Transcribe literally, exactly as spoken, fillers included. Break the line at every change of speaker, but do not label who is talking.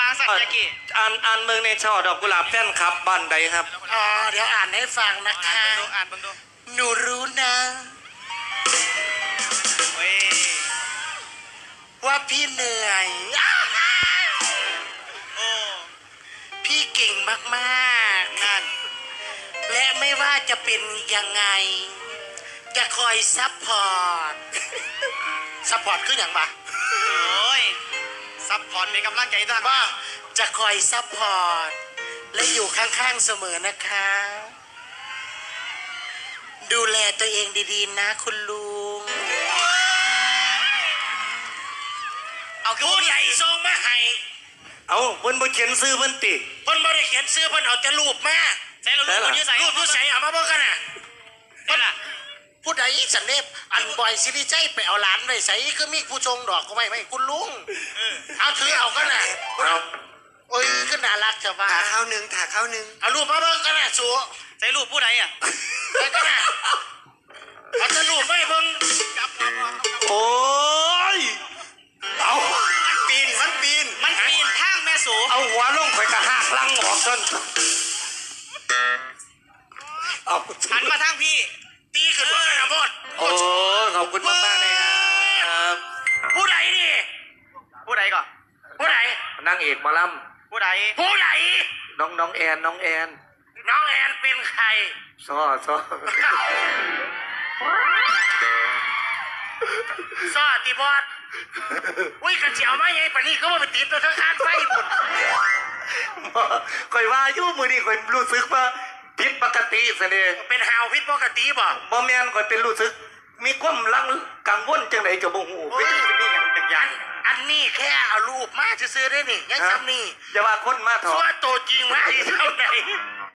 สัตว์ยากิ
อ่านอ่านเมืองในช่อดอกกุหลาบแป้นครับบ้านใดครับ
อ๋อเดี๋ยวอ่านให้ฟังนะคะ
อ่านเบิ่งดู
หนูรู้นะว่าพี่เหนื่อย
โอ้
พี่เก่งมากๆนั่นและไม่ว่าจะเป็นยังไงจะคอยซัพพอร์ตซัพพอร์ตคืออย่างปะ
โอ้ยซัพพอร์ตเป็นกำลังใจทาง
ว่าจะคอยซัพพอร์ตและอยู่ข้างๆเสมอนะคะดูแลตัวเองดีๆนะคุณลุงเอาผู้ใหญ่ทรงมาให้
เอาเพิ่นบ่เขียนซื้อเพิ่นติ
เพิ่นบ่ได้เขียนซื้อเพิ่นเอาแต่รูปมา
ใส่รูปยูใส่
รูปยูใส่เอามาเบิ่งกันน่ะ
เพิ่นล่ะ
ผู้ใดสันเนบอันบอยซิริใจไปเอาหลานไว้ใส่คือมีผู้ชงดอกก็ไม่ไม่คุณลุงเอาถือเอากันน่ะโอ้ยก็น่ารักจะว่า
ถาข้าวหนึ่งถาข้าวหนึ่ง
เอารูปมาเบิ่งกันน่ะสัว
ใส่รูปผู้ใดอ่ะ
ใส่กันน่ะเอาแต่รูปไม่เบิ่ง
โอ้ยเอา
มันปีนมันปีนมันปีนทางแม่สู
เอาหัวลงไปกระหักลังออกจนเอา
หันมาทางพี่
ตีขึ้นมากันหมด
โอ้ขอบคุณมากๆเลยครับ
ผู้ใดนี่
ผู้ใดก่อน
ผู้ใด
นางเอกหมอล
ำผู้ใด
ผู้ใด
น้องน้องแอนน้องแอน
น้องแอนเป็นใคร
ซ้อซ้อ
ซ้อตีบอสอุ้ยกระเจียวมาไงปะนี่ก็มาไปติดตัวทั้งคานไฟบุญ
คอยว่าอยู่มือนี่คอยรู้สึกว่าผิดปกติเสน่ห์
เป็นหาวผิดปกติบ่
บ่แม่นคอยเป็นรู้สึกมีความลังกังวลจังไดจะบ่ฮู้เป็นสิมีหยังจักอย่าง
อันนี้แค่เอารูปมาซื้อได้นี่ยังซ้ำนี่
อย่าว่าคนมาเถอะ
ว่าตัวจริงมาที่เท่าไหร่